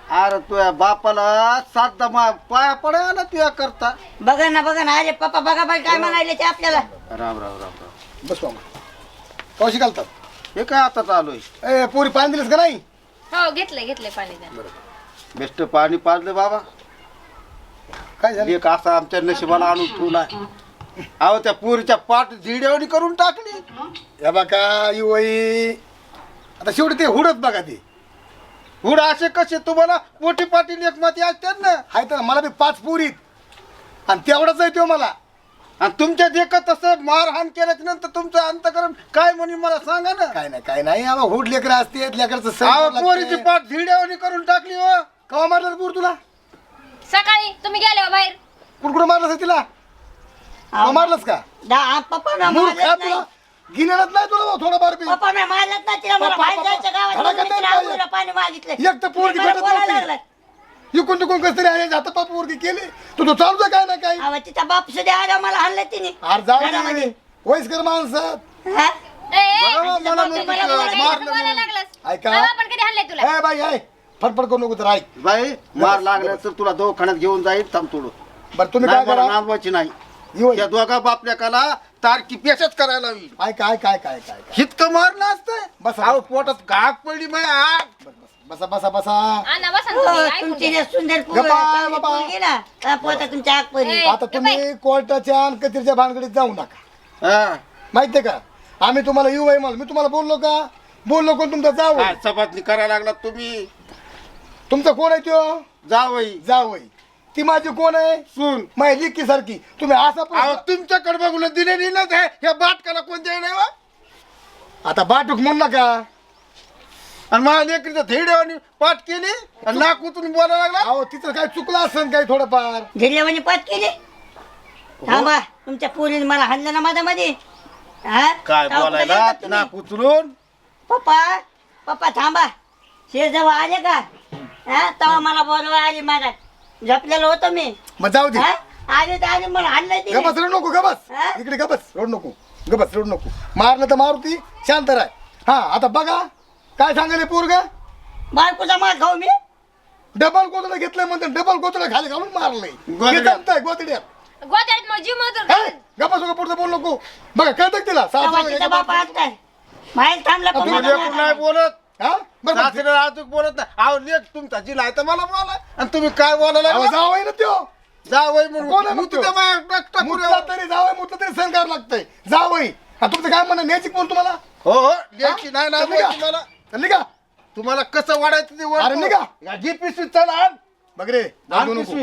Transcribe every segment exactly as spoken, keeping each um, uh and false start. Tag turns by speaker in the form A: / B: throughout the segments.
A: अरे तुझ्या बापाला सात मा पाया पडायला तुया करता.
B: बघा ना बघा ना. अरे पप्पा बघा बाई काय म्हणाले ते आपल्याला.
A: राम राम राम राम.
C: बस मामा कौशी घालतात.
A: हे काय आता चालू आहे?
C: ए पोरी पाणी दिलंस का नाही?
D: हो घेतलंय घेतलंय पाणी द्या.
A: बेस्ट पाणी पाजलं बाबा.
C: काय झालं?
A: एक असा आमच्या नशिबाला आणून ठेवलाय. अहो त्या पोरीच्या पाठ झिडवणी करून टाकली.
C: या बघा युवई आता शेवटी ते हुडत बघा ते
A: हुड असे कसे तुम्हाला पोटी पाटील एक मती असतात ना.
C: हाय तर मला बी पाच पोरीत आणि तेवढाच आहे तो मला.
A: आणि तुमच्या देखत तसं मारहाण केल्याच्या नंतर तुमचं अंतकरण काय म्हणून मला सांगा ना.
C: काय नाही काय नाही आबा हुड लेकर असते लेकरचं
A: अहो
C: सण
A: पोरीची पाठ झिडवणी करून टाकली हो.
C: कवा मारलं पोर तुला?
D: सकाळी तुम्ही गेले हो बाहेर.
C: कुणकुण मारलंस तिला? कवा मारलंस का?
B: दा- पप्पा ना
C: मूर्ख
B: मारलंच
C: आहे
B: नाही.
C: तुला गिन्यानच नाही तुला थोडंफार बी.
B: पप्पा ना मारलंच नाही तिला. मला
C: पप्पा,
B: बाहेर
C: पप्पा,
B: जायचं गावात.
C: धडा
B: म्हणून मी
C: करताय
B: तिला
C: काय?
B: आंघोळीला पाणी मागितलं.
C: एक तर पोरगी
B: मला
C: भेटत
B: बोलायला
C: नव्हती.
B: लागलाय.
C: इकून तिकून कसं तरी आहे हातात पोरगी केली तू तो चालू काय ना काय.
B: अहो, तिचा बाप सुद्धा आला मला हाणलं तिने.
C: अरे जाऊ
B: घरामध्ये.
C: दे वयस्कर माणसं
B: हा?
D: ए, ए,
A: बघा
B: आणि
A: मला
B: बाप
A: म्हणतो
B: मला
A: की
B: बोलायला
A: मारलं
D: बोलायला
A: म्हणून.
D: लागलास.
C: ऐका.
D: बाबा पण कधी हल्ले तुला?
C: ए बाई आहे फटफट करू नको तर ऐक.
A: बाई मार लागला तर तुला दवाखान्यात घेऊन जाईल. थांब थोडं.
C: बरं तुम्ही
A: नाही
C: काय
A: मला
C: करा
A: नांदवायची नाही.
C: येऊ
A: त्या दोघा बापल्याकाला तारकी पेशच करायला हवी.
C: ऐका ऐका ऐका ऐका ऐका
A: इतकं मारलं असतं.
C: बसा.
A: अहो पोटात घाग पडली माय आग.
C: बसा बसा बसा.
D: आणा बसा ना
B: हो,
D: तुम्ही, ऐकून
B: तुमची
D: घ्या.
B: जे सुंदर पोरं,
C: गप्पा,
B: चांगली
C: बाबा.
B: पोरगी ना, त्या पोता तुमच्या आग परी.
D: ए,
C: आता तुम्ही कोर्टाच्या आणि कचेरीच्या भानगडीत जाऊ नका.
A: हा.
C: माहितीये का आम्ही तुम्हाला येऊ आहे मी तुम्हाला बोललो का? बोललो कोण तुमचा जाऊ
A: काय चपातणी करायला लागला तुम्ही.
C: तुमचा कोण आहे त्यो?
A: जावई
C: जाऊ ती माझी कोण आहे?
A: सून.
C: माझी लिक्की सारखी. तुम्ही असा
A: अहो
C: प्रश्न-
A: तुमच्याकडे बघून दिलेली ना ह्या बाटकाला कोणत्या नाही वा.
C: आता बाटूक म्हणू नका.
A: आणि माझ्या लेकरीचं धेड्यावानी पाठ केली आणि नाक उतरून बोलायला लागला.
C: अहो तिचं काय चुकलं असेल काही थोडंफार.
B: झिरल्यावानी पात केली. थांबा तुमच्या पोरीने मला हाणलं ना माझ्या मध्ये. हा?
A: काय
B: तेव्हा कुठं
A: बोलायला
B: गेलतात तुम्ही?
A: नाक उचलून.
B: पप्पा पप्पा थांबा. शेर जवळ आले का? हा तेव्हा मला बोलवा आली माझा. झपलेलो होतो मी.
C: मग जाऊ दे.
B: हा? आले तर आले मला हाणलं तिने.
C: गबस रड नको गबस.
B: हा?
C: इकडे गबस रड नको. गबस रड नको. मारलं तर मारुती शांत राय. हा आता बघा काय सांगायले पोरग.
B: बायकोचा मार खाऊ मी.
C: डबल गोतडं घेतलंय म्हणते डबल गोतडं खाली घालून मारलंय.
A: गोधड्यात.
C: हे जमतंय गोतड्यात.
D: गोत्यात मग जीव मजूर
C: हे, गप्पा सगळं पुढचं बोल नको. बघा कळतं तिला
B: तेव्हा
C: सासू
B: तिचा बाप असताय बाहेर थांबला पण
A: तुम्ही
B: मला
A: लेकरू नाही
B: मारला.
A: बोलत.
C: हा बरं बरं.
A: सासरे अजून बोलत नाही. अहो लेक तुमचा जिला आहे तर मला बोला. आणि तुम्ही काय बोलायला
C: अहो,
A: लागला?
C: जाऊ आहे ना त्यो.
A: जावई
C: कोण आहे
A: म्हणून
C: मग
A: मुतू
C: तो?
A: त्या माझ्या टाकटा
C: मुतला
A: पुऱ्यावर.
C: तरी जावं मुतलं तरी सहन करावं लागतंय. जाऊ आहे. हा, तुमचं काय म्हणणं न्यायची कोण तुम्हाला?
A: हो हो लेकी नाही ना
C: हा?
A: बोलत तुम्हाला.
C: चालली का?
A: तुम्हाला कसं वाढायचं ते
C: अरे निघा.
A: या जी पिशवी चला आण.
C: बघ रे
A: आण
C: जाऊ नको.
A: पिशवी.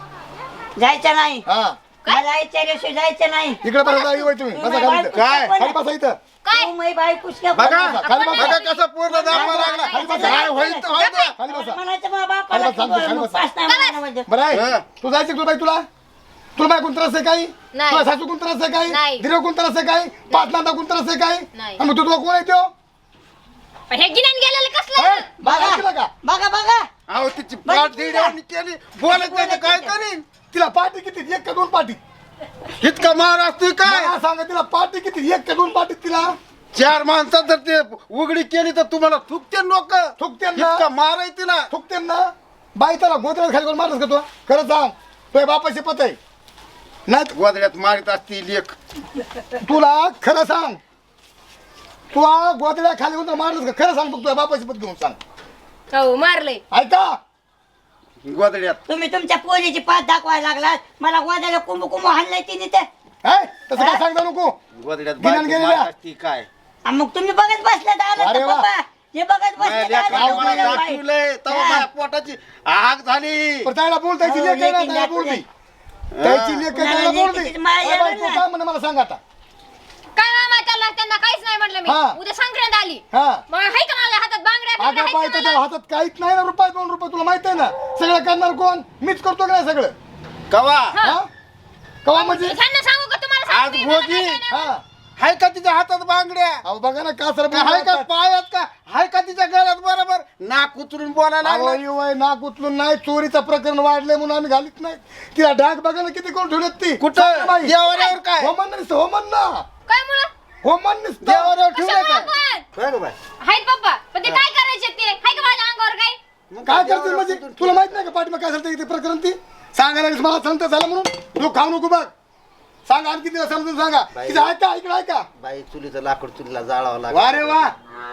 B: जायचं नाही.
C: हा
B: मला यायच्या दिवशी जायचं नाही.
C: इकडे बसा जाऊ होय तुम्ही बसा खाली इथं.
A: काय?
C: खाली बसा इथं.
D: काय?
B: तू मै बायकोच का
A: बघा
B: बोलला?
C: खाली बसा.
A: बघा कसं पूर्ण दाखवा लागला.
C: खाली बसा.
A: काय होईल तर होईल ना.
C: खाली बसा.
B: म्हणायचं मग बापाला
C: खाली बसा, खाली
B: तू
C: बसा.
B: पास नाही म्हणायला म्हणजे.
C: बरं
A: हा.
C: आहे तू जायचं तुला बाई तुला तुला बाई कोण त्रास आहे काही?
D: नाही.
C: तुला सासू कोण त्रास आहे काही?
D: नाही.
C: धीरे कोण त्रास आहे काही? पाच नांदा कोण त्रास आहे काही?
D: नाही.
C: आणि मग तू तुला कोण आहे त्यो?
D: पण हे गिन्यान गेलेलं
C: हे?
D: कसलं?
C: बघा ऐकलं का?
B: बघा बघा
A: अहो तिची पाठ दिड्यावानी केली. बोलत नाही तर काय करीन.
C: तिला पार्टी किती एक का दोन पार्टी?
A: इतका मार असतोय काय.
C: मला सांगा तिला पार्टी किती एक का दोन पार्टी तिला?
A: चार माणसात जर ते उघडी केली तर तुम्हाला थुकते लोक.
C: थुकते ना.
A: इतका मार आहे तिला.
C: थुकते ना बाई त्याला गोत्र्यात खाली करून मारस का तू? खरं सांग तुझ्या बापाशी पत आहे नाही
A: गोदड्यात मारित असती लेख.
C: तुला खरं सांग तू गोत्र्या खाली करून मारलंस का? खरं सांग बघ तुझ्या बापाशी पत घेऊन सांग.
D: हो मारलंय.
C: ऐका
A: गोदड्यात
B: तुम्ही तुमच्या पोरीची पाच दाखवायला लागलात. मला वाजायला कुंभू कुंभू हाणलंय तिने ते.
C: हे? तसं काय सांगता नको.
A: गोदड्यात
C: गिन्यान
A: बायको
C: गेलेल्या.
A: मारित असती काय.
B: आणि मग तुम्ही बघत बसल्यात आलं
C: अरे
B: तर
C: वा.
B: पप्पा हे बघत
A: माझ्या
B: बसल्यात
A: लेकराला
B: आलं
A: मला
B: तर बाई.
A: दाखवलंय तेव्हा
B: हा.
A: माझ्या पोटाची आग झाली.
C: पण त्याला बोलता याची
B: हो,
C: लेक आहे ना
B: लेकीन
C: त्याला
B: दाखवलंय.
C: बोलती त्याची लेक आहे,
B: कुणाला
C: त्याला बोलती.
B: लेकीची माया
C: अरे बाई,
B: आहे
C: तू
B: ना.
C: काय म्हणे मला सांग आता.
D: काय मामा त्याला त्यांना काहीच नाही म्हटलं मी.
C: हा.
D: उद्या संक्रांत आली.
C: हा
D: मग हाय का माझ्या हातात बांगड्या
C: अगं
D: बिंगड्या
C: बाई
D: हाय का
C: त्याच्या
D: मला?
C: हातात काहीच नाही ना रुपये दोन रुपये तुला माहित आहे ना सगळं करणार कोण मीच करतो का नाही सगळं
A: कवा
C: हा कवा म्हणजे
D: ह्यांना सांगू का तुम्हाला
A: आज
D: सांगू? मला
A: भोगी.
D: काय काय नाही.
C: हा
A: हाय का तिच्या हातात बांगड्या.
C: अहो बघा ना का सर
A: हाय का पायात का हाय का तिच्या गळ्यात बरोबर नाक उतरून बोलायला लागला.
C: वय नाक उचलून नाही चोरीचं प्रकरण वाढलंय म्हणून आम्ही घालीत नाही तिला डाग बघा ना किती कोण ठेवलेत ती
A: कुठं?
C: सांग बाई.
A: देवाऱ्यावर काय?
C: होमन नुसतं होमन ना
D: काय मुळे?
C: होमन नुसतं
A: देवाऱ्यावर ठेवलं
D: कशामुळं
A: काय.
D: पण?
A: बरं बाई.
D: हाय पप्पा पण ते काय करायचे ते हाय का माझ्या अंगावर काय?
C: काय करतील म्हणजे तुला माहित नाही का पाठीमा काय झालं ते प्रकरण ती सांगायला लागलीस मला संत झालं म्हणून तू खाऊ नको बघ सांगा आणखी तिला समजून सांगा तिचं ऐका ऐकलं ऐका
E: बाई चुलीचं लाकूड चुलीला जाळावं लागलं
C: वा रे वा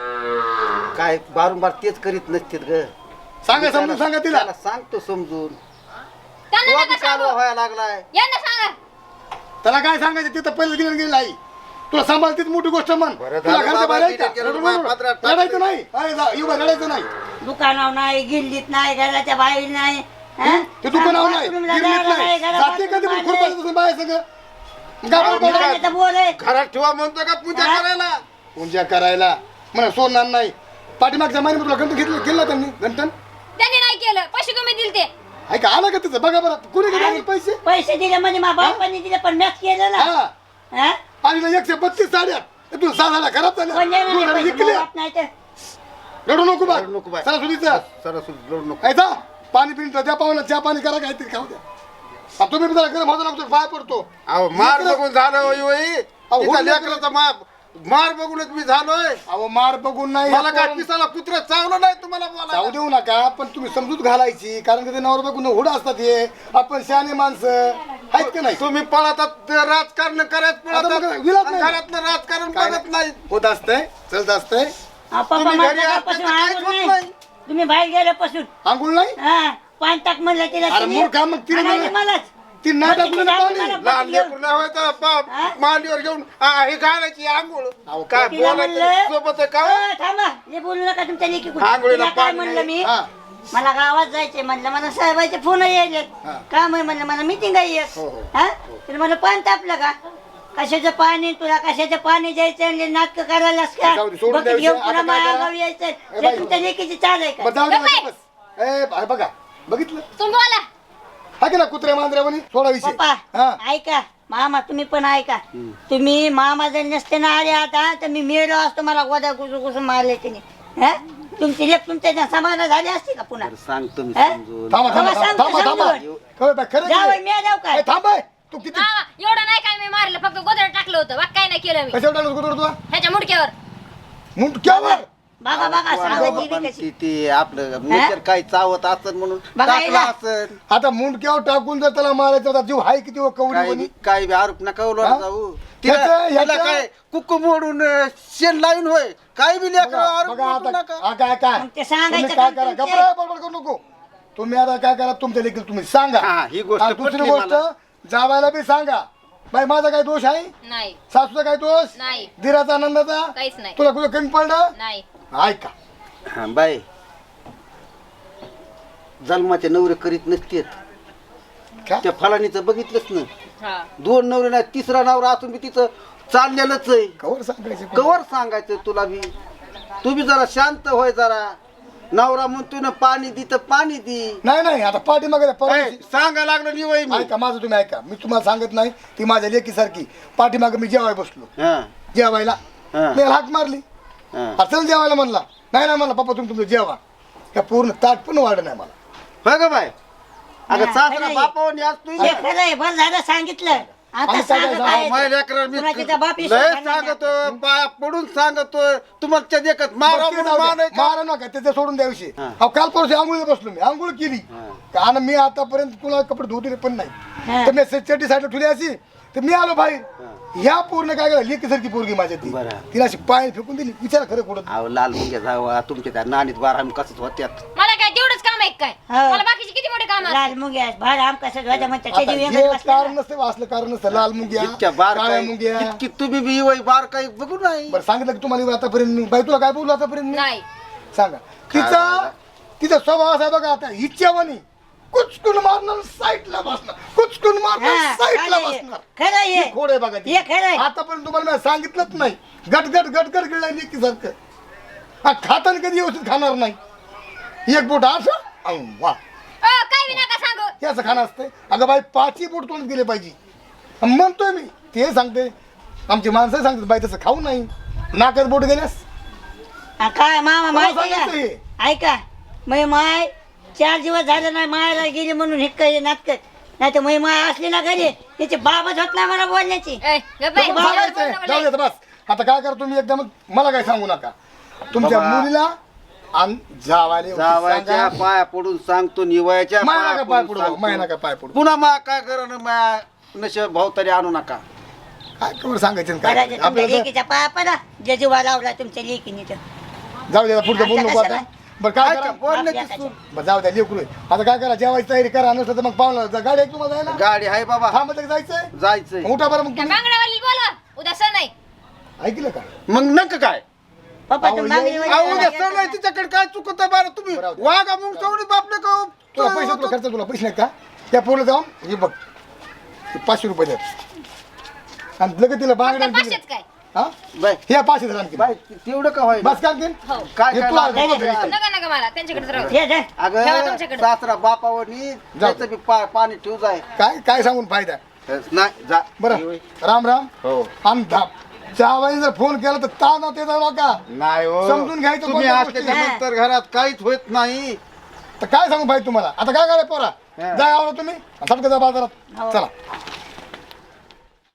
E: काय बारंबार तेच करीत नसतील ग
C: सांगा समजून सांगा तिला
E: त्याला सांगतो समजून
D: त्यांना
E: तो
D: नका
E: बी कालवा
D: सांगू
E: व्हायला लागलाय
D: यांना सांगा
C: त्याला काय सांगायचं तिथं पहिलं दिलं गेलं आई तुला सांभाळतीच मोठी गोष्ट म्हण
E: बरं
C: तुला
E: झालं
C: घरच्या
E: बाबा,
C: बाहेर आहे का?
E: तिने केलं
C: रडू
E: माझ्या
C: नको.
E: पदरात टाकलं.
C: रडायचं नाही अरे जा, येऊ बा, रडायचं नाही
B: दुकानावर नाही गिल्लीत नाही घराच्या बाहेर नाही हं?
C: ते दुकानावर नाही
B: बाथरूमला
C: गिरणीत
B: जायला
C: नाही
B: घरात
C: जाते कधी
B: बाथरूम
C: पण
B: बांधलंय.
C: खुरपायचं बाहेर सगळं गावाला बोलायचं.
B: दुकानाचं बोल आहे.
A: घरात ठेवा म्हणतो का पूजा
B: हा?
A: करायला
C: पूजा करायला म्हणा सोडणार नाही पाठीमागच्या महिन्यात तुला गंठ घेतलं केलं त्यांनी गंठन
D: त्यांनी नाही केलं पैसे तुम्ही दिले ते
C: ऐका आलं का तिचं बघा बरं कुणी घेतले पैसे
B: पैसे दिले म्हणजे मा बापाने दिले पण मॅच केलं ना
C: हा
B: हं?
C: आणि एकशे बत्तीस साड्या तू सहा साड्या खराब
B: कोण
C: झाल्या
B: देणार
C: दोन
B: नाही
C: साड्या
B: पैसे?
C: विकल्या
B: बाप नाही तर
C: रडू नको बा
E: रडू नको बाय.
C: सणासुदीचं
E: सरस्वती लोड नको
C: ऐका पाणी पिंट द्या पाहुणा चहा पाणी करा काहीतरी खाऊ द्या आ, तुम्ही बी जरा गरम होता लागतो पाय पडतो
A: अहो मार बघून झालं होई होई
C: अहो,
A: तिचा
C: होऊन
A: लेकराचा मार मार बघूनच मी झालोय
C: अहो मार बघून नाही
A: मला काय
C: आपण-
A: पिसाला कुत्र चावलं नाही तुम्हाला
C: जाऊ
A: बोला
C: देऊ नका पण तुम्ही समजूत घालायची कारण की ते नवर बघून हुड असतात हे आपण शहाणे माणसं आहेत का नाही
A: तुम्ही पळतात ते राजकारण करत
C: आता मग
A: पळतात
C: विलात नाही.
A: घरातलं राजकारण
C: काय
A: बघत नाही
C: होत असतंय चलत असतंय
B: हा, पप्पा
A: तुम्ही
B: माझ्या
A: घरी असता
B: घरापासून
A: तर काहीच
B: आंघोळ
A: होत
B: नाही.
A: नाही.
B: तुम्ही बाहेर गेल्यापासून
C: आंघोळ नाही
B: हा पाणी टाक म्हणलं तिला
C: अरे
B: तिने.
C: मूर्ख, मग तिने
B: आणायची
C: मला-
B: मलाच
C: ती नाही
B: मग
C: टाकलं
B: तिने
C: ना
B: टाकलं
C: पाणी.
B: मला
A: लहान
B: पाणी घेऊन.
A: लेकरू नाही होय तर बाप
B: हा?
A: मांडीवर घेऊन आ, हे घालायची आंघोळ
C: अहो,
A: काय
B: तिला
A: बोलायचं
B: म्हणलं
A: सोबत आहे का
B: अ, थांबा हे बोलू नका तुमच्या लेकी
A: आंघोळीला
B: तिला काय
A: पाणी
B: म्हणलं
A: नाही.
B: मी
C: हा.
B: मला गावात जायचे म्हणलं मला साहेबाचे फोन यायले
C: हा.
B: काम आहे म्हणलं मला मिटिंग आहे एक.
C: हो, हो.
B: हा तर मला पाणी तापलं का कशाचं पाणी तुला कशाचं पाणी द्यायचं नाटक करायलास का
C: जाऊ दे, सोडून
B: बकेट
C: द्यायचं.
B: घेऊन
C: आता
B: पुन्हा
C: काय
B: माझ्या
C: करा?
B: गावी यायचं
C: ए,
B: हे
C: बाई.
B: तुमच्या लेकीची चाल आहे
C: मग
B: का
C: जाऊ दे
D: गप्प आहे.
C: बस ए बा- बघा बघितलं
D: तुम्ही बोला
C: हा की ना कुत्र्या मांजऱ्यावानी सोडा विषय
B: पप्पा
C: हा
B: ऐका मामा तुम्ही पण ऐका तुम्ही मामा जर नसते ना आले आता तर मी मेलो असतो मला गोदा घुसून घुसून मारले तिने हा तुमची लेख तुमच्या समाधान झाली असते का पुन्हा
E: सांगतो मी
B: हा?
E: समजून
C: थांबा थांबा
B: तेव्हा
C: थांबा थांबा
B: सांगतो,
C: थांबा
B: समजून.
C: खरं बा, खरं
B: जावं
C: आहे.
B: मी जाऊ काय
C: ए, थांब आहे. तू किती
D: मामा एवढं नाही काय मी मारलं फक्त गोदर टाकलं होतं बाकी काय नाही केलं मी
C: कशावर टाकलं कुठं तुला
D: ह्याच्या मुडक्यावर
C: मुंडक्यावर
B: बघा बघा सांगायची बी कशी
E: ती ते आपलं नेचर काही चावत असत म्हणून
B: बघा
E: टाकलं
B: हिला.
E: असन
C: आता मुंडक्यावर टाकून जर त्याला मारायचं होता जीव हाय किती व कवडी
E: काही
C: म्हणी?
E: बी- काही बी आरोप नका
C: हा?
E: उलट जाऊ तिला
C: ह्याचं-
E: तिला
C: ह्याचं-
E: काय कुक्कू मोडून अं, शेण लावून होय काही बी लेकर
C: बघा
E: आरोप
C: बघा
E: नको
C: आता
E: नका
C: हा, काय काय
B: मग ते सांगायचं
C: तुम्ही काय
B: काम
C: करा
B: तुमचे.
C: गप्पा बडबड करू नको तुम्ही आता काय करा तुमच्या देखील तुम्ही सांगा
E: हा, ही गोष्ट
C: आणि दुसरी
E: पटली
C: गोष्ट
E: मला.
C: जावायला बी सांगा बाई माझा काय दोष आहे
D: नाही
C: सासूचा काय दोष
D: नाही
C: धीराचा आनंदाचा
D: काहीच नाही
C: तुला कुठं कमी पडलं
D: नाही
C: ऐका
E: हा बाई जन्माचे नवरे करीत नसतेत
C: काय?
E: त्या फलानीचं बघितलंच ना
D: हा
E: दोन नवरे नाही तिसरा नवरा असून बी तिचं चाललेलंच आहे
C: कवर सांगायचं
E: कवर सांगायचं तुला बी तू बी जरा शांत होय जरा नवरा म्हणतो ना पाणी दी तर पाणी दी
C: नाही नाही आता पाठीमागे
A: ए,
C: परवा
A: सांगा लागलं नि वय मी
C: ऐका माझं तुम्ही ऐका मी तुम्हाला सांगत नाही ती माझ्या लेकीसारखी पाठीमागे मी जेवाय बसलो
E: हा
C: जेवायला
E: हा.
C: मी हाक मारली
E: हा.
C: हा, चल जेवायला म्हणला नाही नाही म्हणला पप्पा तुम्ही तुमचं जेवा या पूर्ण ताट पण वाढ नाही मला
E: होय का बाय अगं
B: हा,
E: सासरा
B: खरंय.
E: बापावणी आज तू
B: हे खरं आहे बरं झालं सांगितलं आता
C: आणि काय
B: सांगत
C: काय
B: आहे.
A: माझ्या लेकराला मी
B: पुन्हा तिचा बाप
A: लय
B: विश्वास नाही.
A: सांगतोय पाया पडून सांगतोय तुम्हाला देखत मारा
C: बरं, ते
A: म्हणून
C: जाऊ द्या.
A: मानाय का?
C: मारा नका त्याचं सोडून द्याविषयी
E: हा.
C: अहो काल परवा आंघोळीला बसलो मी आंघोळ केली
E: हा.
C: कारण मी आतापर्यंत कुणा कपडे धुतले पण
B: हा.
C: नाही तर मी चड्डी साईडला ठेवली अशी तर मी आलो बाहेर ह्या पूर्ण काय केलं लेकीसारखी पोरगी माझ्या ती
E: बरं.
C: तिला अशी पाय फेकून दिली विचार खरं कुठं
E: अहो लाल मुंग्या जावा तुमच्या त्या नानीत बारा कसंच होत्यात
D: मला काय तेवढंच काम आहे काय
B: हो.
D: मला बाकीचे किती मोठे काम
B: लाल मुंग्या भार आम कसं ध्वजा म्हणतात
C: आता
B: त्याची
C: हे
B: वेगळी बसलेला.
C: कारण नसतं असलं कारण नसतं लाल मुंग्या
E: इतक्या बार
C: काळ्या
E: काही
C: मुंग्या
E: इतकी तुम्ही बी वय बार काही बघू नाही
C: बरं सांगितलं की तुम्हाला आतापर्यंत मी बाई तुला काय बोललो आतापर्यंत मी
D: नाही
C: सांगा तिचा तिचा स्वभाव असा आहे बघा आता इच्छावानी कुचकून मारणार साईडला बसणार कुचकून मारणार
B: हा,
C: साईडला
B: खरं आहे.
C: बसणार
B: खरं आहे.
C: ही खोड आहे बघा ती.
B: हे खरं आहे.
C: आतापर्यंत तुम्हाला मी सांगितलंच नाही गटगट गटगट गिळला लेकी सारखं हा खाताना कधी व्यवस्थित खाणार नाही एक बोट असं अहो, वा
D: अ, काय बी नका सांगू
C: हे असं खाणं असतंय अगं बाई पाचही बोट तोंड दिले पाहिजे अन म्हणतोय मी ते सांगते आमची माणसं सांगतात बाई तसं खाऊ नाही नाकात बोट गेल्यास
B: हा, काय मामा माहिती
C: सांगितलं हे.
B: का ऐका मै माय चार दिवस झाले नाही मायाला गेली म्हणून हिक्क नाटक नाही तर मै माय असली ना घरी त्याची बाबच होत नाही मला बोलण्याची
D: ए, गप्प बाई,
C: जाऊ
D: जेवण
C: द्यायचं,
D: बनवलंय.
C: जाऊ द्यायचं, बस आता काय करा तुम्ही एकदम मला काय सांगू नका तुमच्या
E: बाबा.
C: मुलीला आम जावाले
E: जावायच्या पाया पडून सांगतो निवयाच्या
C: माया
E: पाया
C: का पाय
E: पडून
C: पडू माया
E: सांगतो.
C: का पाय पडू
E: पुन्हा मा काय करण माया नशे भाऊ तरी आणू नका
C: काय कवर सांगायचं आणि काय
B: बरं, तुमच्या
C: आपल्याला
B: लेकीच्या पाया पडा जे जीवा लावला तुमच्या लेकीने तर
C: तर जाऊ द्या पुढचं बोलू नको आता बरं काय करा
E: बोलण्याची
B: आपल्या
E: सून.
C: बरं जाऊ द्या लेकरू आता काय करा जेवायची तयारी करा नसलं तर मग पाहुणा गाडी आहे तुम्हाला जायला
E: गाडी आहे बाबा
C: थांबत जायचंय
E: जायचंय
C: मग उठा बरं मग
D: त्या
C: तुम्ही
D: बांगड्यावाली बोलवा उद्या सण आहे
C: ऐकलं का
E: मग नक काय
B: पप्पा
C: अहो,
B: तुम्ही मागणी
C: ये-
B: वगैरे
E: अहो उद्या
B: करा.
E: सण आहे तिच्याकडे काय चुकत बरं तुम्ही
C: बरं, बरं.
E: वागा मग सवडी बापले
C: तुला पैसे तुला
E: का
C: खर्च तुला पैसे नाहीत का त्या पोरला जाऊन हे बघ हे पाचशे रुपये द्या आणि लगेच तिला
D: फक्त
C: बांगड्या
D: पाचशेच काय
C: हा
E: बाय
C: हे पाचशे हजार आणखी
E: बाय तेवढं का होय
C: बस का आणखीन
D: हो
E: काय
C: हे
E: काय
C: तुला-
E: लागलं?
C: तुला घरी.
D: नका नका मला त्यांच्याकडेच राहू
B: हे धर.
E: अगं
D: ठेवा तुमच्याकडे.
E: सासरा बापावरनी त्याचं बी पा- पाणी ठेवू जाय
C: काय काय सांगून फायदा
E: नाही जा
C: बरं राम राम
E: हो
C: आणि जावाई जर फोन केला तर ताना ते जाऊ का
E: नाही हो
C: समजून घ्यायचं
E: तुम्ही
C: कोणत्या
E: असल्याच्या
B: गोष्टी.
E: नंतर घरात काहीच होत नाही
C: तर काय सांगू भाई तुम्हाला आता काय करायचं पोरा
E: हा.
C: जा आवरा तुम्ही सबका जा बाजारात
B: हो.
C: चला